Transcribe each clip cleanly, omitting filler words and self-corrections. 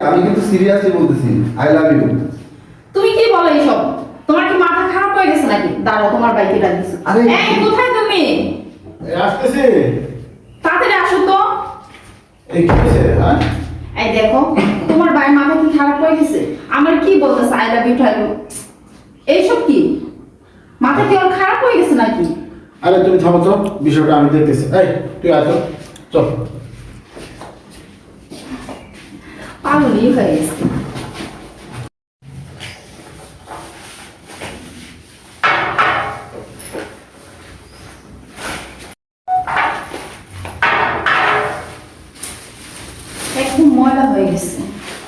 আমি কিন্তু সিরিয়াসলি বলতেছি, আই লাভ ইউ। তুমি কি বলো এইসব? তোমার কি মাথা খারাপ হয়ে গেছে নাকি? দাঁড়াও, তোমার বাইকে ডাক দিছি। আরে এই কোথায় তুমি? আসতেছি। তাড়াতাড়ি আসো তো। এই কি হয়েছে? হ্যাঁ, এই দেখো, তোমার ভাই মাথা কি খারাপ হয়ে গেছে? আমার কি বলতেছে আই লাভ ইউ ঠাইলো? এইসব কি? মাথা কি ওর খারাপ হয়ে গেছে নাকি? আরে তুমি থামো তো, বিষয়টা আমি দেখতেছি। এই তুই আয় তো, চল। পাগলই হয়ে গেছে। একদম ময়লা হয়ে গেছে।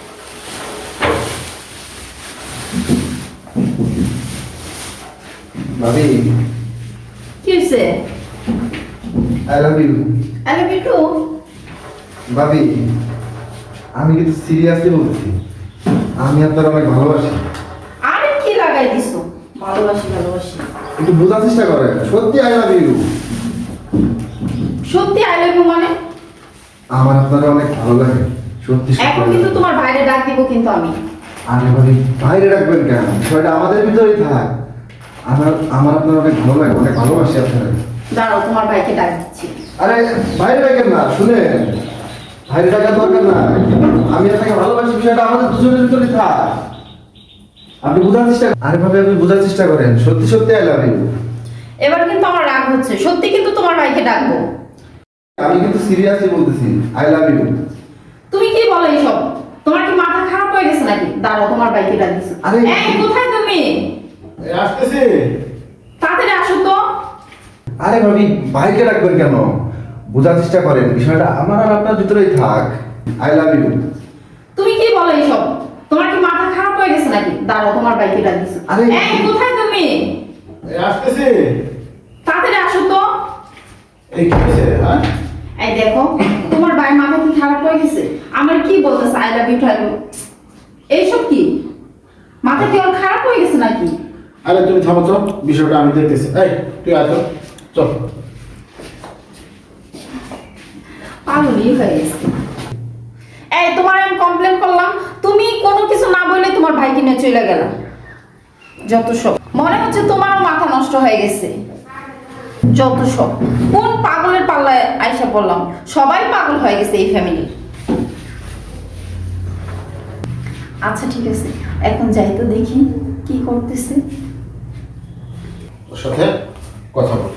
ভাবি, কি হয়েছে? I love you. I love you too. ভাবি, আমি কিন্তু সিরিয়াসলি বলতেছি, আমি আপনার অনেক ভালোবাসি। আরে কি লাগাই দিছো? ভালোবাসি ভালোবাসি। একটু বোঝার চেষ্টা করেন, সত্যি আই লাভ ইউ। সত্যি আই লাভ ইউ মানে? আমার আপনার অনেক ভালো লাগে, সত্যি সত্যি। এখন কিন্তু তোমার বাইরে ডাক দিব কিন্তু আমি। আরে ভাবি, বাইরে রাখবেন কেন? বিষয়টা আমাদের ভিতরেই থাক। আমার আমার আপনার অনেক ভালো লাগে, অনেক ভালোবাসি আপনার। দাঁড়াও, তোমার ভাইকে ডাক দিচ্ছি। আরে বাইরে রাখেন না, শুনেন, বাইরে রাখার দরকার না। আমি আপনাকে ভালোবাসি, বিষয়টা আমাদের দুজনের ভিতরেই থাক। আপনি বোঝার চেষ্টা, আরে ভাবি আপনি বোঝার চেষ্টা করেন, সত্যি সত্যি আই লাভ ইউ। এবার কিন্তু আমার রাগ হচ্ছে, সত্যি কিন্তু তোমার ভাইকে ডাকবো। আমি কিন্তু সিরিয়াসলি বলতেছি, আই লাভ ইউ। তুমি কি বলো এইসব? তোমার কি মাথা খারাপ হয়ে গেছে নাকি? দাঁড়াও, তোমার বাইকে ডাক দিছি। আরে- এই কোথায় তুমি? এই আসতেছি। তাড়াতাড়ি আসো তো। আরে ভাবি, বাইরে রাখবেন কেন? বোঝার চেষ্টা করেন, বিষয়টা আমার আর আপনার ভিতরেই থাক। I love you. তুমি কি বলো এইসব? তোমার কি মাথা খারাপ হয়ে গেছে নাকি? দাঁড়াও, তোমার বাইকে ডাক দিছি। আরে- এই কোথায় তুমি? এই আসতেছি। তাড়াতাড়ি আসো তো। এই কি হয়েছে? হ্যাঁ, এই দেখো, তোমার ভাই মাথা কি খারাপ হয়ে গেছে? আমার কি বলতেছে আই লাভ ইউ ঠাইলো? এইসব কি? মাথা কি ওর খারাপ হয়ে গেছে নাকি? আরে তুমি থামো তো, বিষয়টা আমি দেখতেছি। এই তুই আয় তো, চল। পাগলই হয়ে গেছে। এই তোমার আমি কমপ্লেন করলাম, তুমি কোনো কিছু না বলে তোমার ভাইকে নিয়ে চলে গেল। যত সব, মনে হচ্ছে তোমারও মাথা নষ্ট হয়ে গেছে। যত সব, কোন পাগলের পাল্লায় আইসা পড়লাম? সবাই পাগল হয়ে গেছে এই ফ্যামিলির। আচ্ছা ঠিক আছে, এখন যাই তো দেখি কি করতেছে। ওর সাথে কথা বল।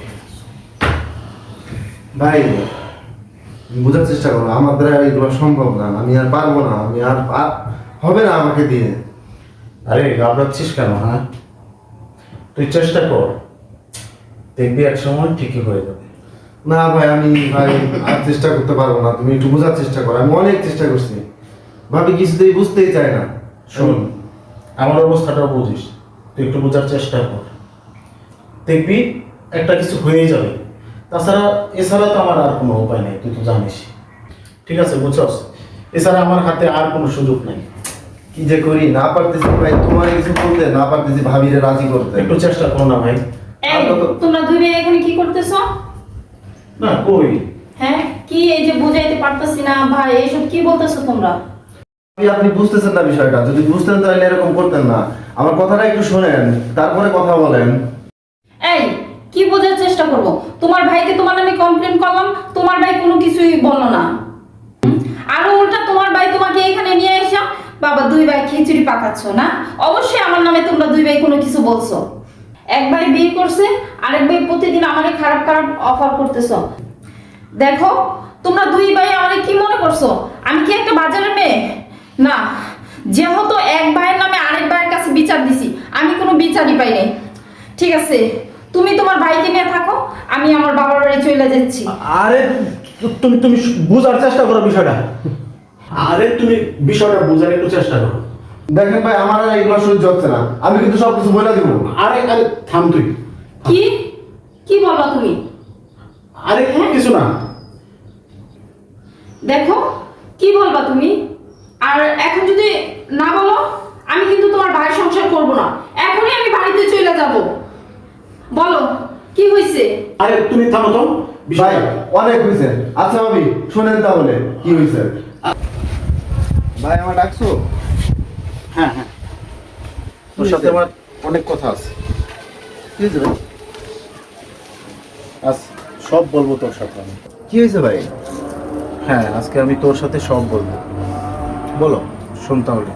ভাই, বোঝার চেষ্টা করো, আমার দ্বারা এগুলো সম্ভব না। আমি আর পারবো না, আমি আর হবে না আমাকে দিয়ে। আরে ঘাবড়াচ্ছিস কেন? হ্যাঁ, তুই চেষ্টা কর, দেখবি এক সময় ঠিকই হয়ে যাবে। না ভাই, আমি ভাই আর চেষ্টা করতে পারবো না। তুমি একটু বোঝার চেষ্টা করো, আমি অনেক চেষ্টা করছি। ভাবি কিছুতেই বুঝতেই চায় না। শোন, আমার অবস্থাটাও বুঝিস, তুই একটু বোঝার চেষ্টা কর, দেখবি একটা কিছু হয়ে যাবে। তাছাড়া এছাড়া তো আমার আর কোনো উপায় নেই, তুই তো জানিস। ঠিক আছে, বুঝছস? এছাড়া আমার হাতে আর কোনো সুযোগ নেই। কি যে করি, না পারতেছি ভাই, তোমার কিছু বলতে না পারতেছি, ভাবিরে রাজি করতে। একটু চেষ্টা করো না ভাই। এই তোমরা দুই ভাই এখানে কি করতেছো? না কই, হ্যাঁ, কি এই যে বুঝাইতে পারতেছি না ভাই, এইসব কি বলতেছো তোমরা? আপনি বুঝতেছেন না বিষয়টা, যদি বুঝতেন তাহলে এরকম করতেন না। আমার কথাটা একটু শোনেন, তারপরে কথা বলেন। এই কি বোঝার চেষ্টা করব? তোমার ভাইকে তোমার নামে কমপ্লেন করলাম, তোমার ভাই কোনো কিছুই বললো না। আর উল্টা তোমার ভাই তোমাকে এখানে নিয়ে এসে বাবা দুই ভাই খিচুড়ি পাকাচ্ছ না? অবশ্যই আমার নামে তোমরা দুই ভাই কোনো কিছু বলছো। এক ভাই বিয়ে করছে, আরেক ভাই প্রতিদিন আমারে খারাপ খারাপ অফার করতেছো। দেখো, তোমরা দুই ভাই আমারে কি মনে করছো? আমি কি একটা বাজারের মেয়ে? না, যেহেতু এক ভাইয়ের নামে আরেক ভাইয়ের কাছে বিচার দিছি, আমি কোনো বিচারই পাই নাই। ঠিক আছে, তুমি তোমার ভাইকে নিয়ে থাকো, আমি আমার বাবার বাড়ি চলে যাচ্ছি। আরে তুমি তুমি বোঝার চেষ্টা করো বিষয়টা। আরে তুমি বিষয়টা বোঝার একটু চেষ্টা করো। দেখেন ভাই, আমার আর এগুলো সহ্য হচ্ছে না, আমি কিন্তু সবকিছু বলে দিব। আরে আরে থাম তুই। কি কি বলবা তুমি? আরে কিছু না। দেখো, কি বলবা তুমি? আর এখন যদি না বলো, আমি কিন্তু তোমার ভাইয়ের সংসার করব না। এখনই আমি বাড়িতে চলে যাব। বলো কি হয়েছে? আরে তুমি থামো তো। ভাই অনেক হয়েছে। আচ্ছা ভাবি, শোনেন তাহলে কি হয়েছে। ভাই আমার ডাকছো? হ্যাঁ হ্যাঁ, তোর সাথে আমার অনেক কথা আছে। কি হয়েছে ভাই? আজ সব বলবো তোর সাথে আমি। কি হয়েছে ভাই? হ্যাঁ, আজকে আমি তোর সাথে সব বলবো। বলো। শোন তাহলে।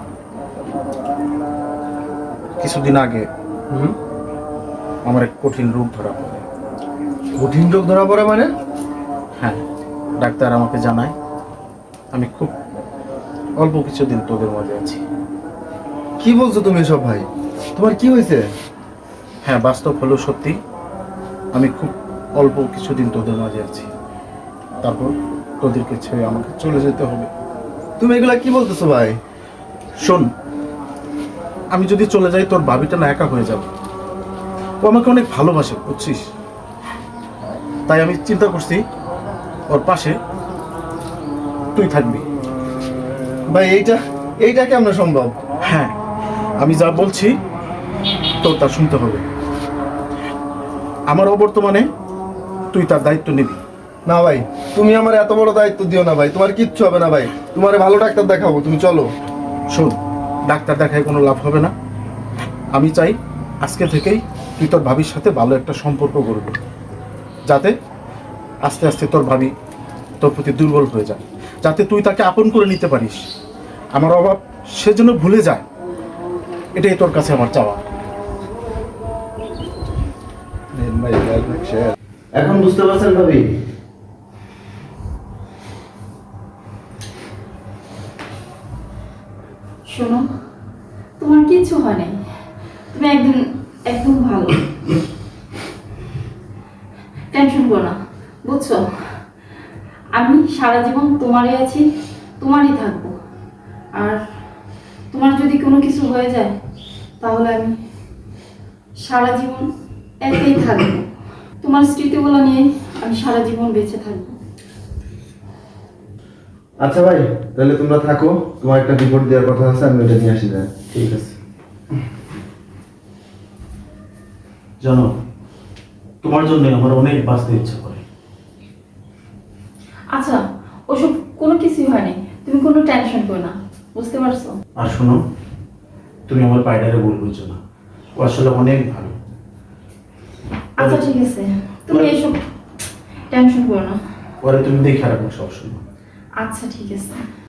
কিছুদিন আগে হুম। আমার এক কঠিন রোগ ধরা পড়ে। কঠিন রোগ ধরা পড়ে মানে? হ্যাঁ, ডাক্তার আমাকে জানায় আমি খুব অল্প কিছুদিন তোদের মাঝে আছি। কি বলছো তুমি এসব ভাই? তোমার কি হয়েছে? হ্যাঁ, বাস্তব হলো সত্যি, আমি খুব অল্প কিছুদিন তোদের মাঝে আছি, তারপর তোদেরকে ছেড়ে আমাকে চলে যেতে হবে। তুমি এগুলা কি বলতেছো ভাই? শোন, আমি যদি চলে যাই তোর ভাবিটা না একা হয়ে যাবে। ও আমাকে অনেক ভালোবাসে, বুঝছিস? তাই আমি চিন্তা করছি ওর পাশে তুই থাকবি। ভাই এইটা কেমন সম্ভব? হ্যাঁ, আমি যা বলছি তোর তা শুনতে হবে। আমার অবর্তমানে তুই তার দায়িত্ব নিবি। না ভাই, তুমি আমার এত বড় দায়িত্ব দিও না ভাই, তোমার কিচ্ছু হবে না ভাই, তোমারে ভালো ডাক্তার দেখাবো, তুমি চলো। শোন, ডাক্তার দেখায় কোনো লাভ হবে না। আমি চাই আজকে থেকেই তুই তোর ভাবির সাথে ভালো একটা সম্পর্ক করবি, যাতে আস্তে আস্তে তোর ভাবি তোর প্রতি দুর্বল হয়ে যায়, যাতে তুই তাকে আপন করে নিতে পারিস। আমার অভাব সে যেন ভুলে যায়, এটাই তোর কাছে আমার চাওয়া। এখন বুঝতে পারছেন ভাবি? শোনো, তোমার কিচ্ছু হয় নাই, তুমি একদিন একদম ভালো, টেনশন করো না, বুঝছো? আমি সারা জীবন তোমারই আছি, তোমারই থাকবো। আর তোমার যদি কোনো কিছু হয়ে যায় তাহলে আমি সারা জীবন একাই থাকবো। তোমার স্মৃতিগুলো নিয়ে আমি সারা জীবন বেঁচে থাকবো। আচ্ছা ভাই, তাহলে তোমরা থাকো, তোমার একটা রিপোর্ট দেওয়ার কথা আছে, আমি ওটা নিয়ে আসি। যাই। ঠিক আছে। জানো, তোমার জন্য আমার অনেক বাঁচতে ইচ্ছা করে। আচ্ছা, ওসব কোনো কিছুই হয়নি, তুমি কোনো টেনশন করো না, বুঝতে পারছো? আর শোনো, তুমি আমার পায়ডারে ভুল বুঝছো না, ও আসলে অনেক ভালো। আচ্ছা ঠিক আছে, তুমি এসব টেনশন করো না। পরে তুমি দেখে রাখো সবসময়। আচ্ছা ঠিক আছে।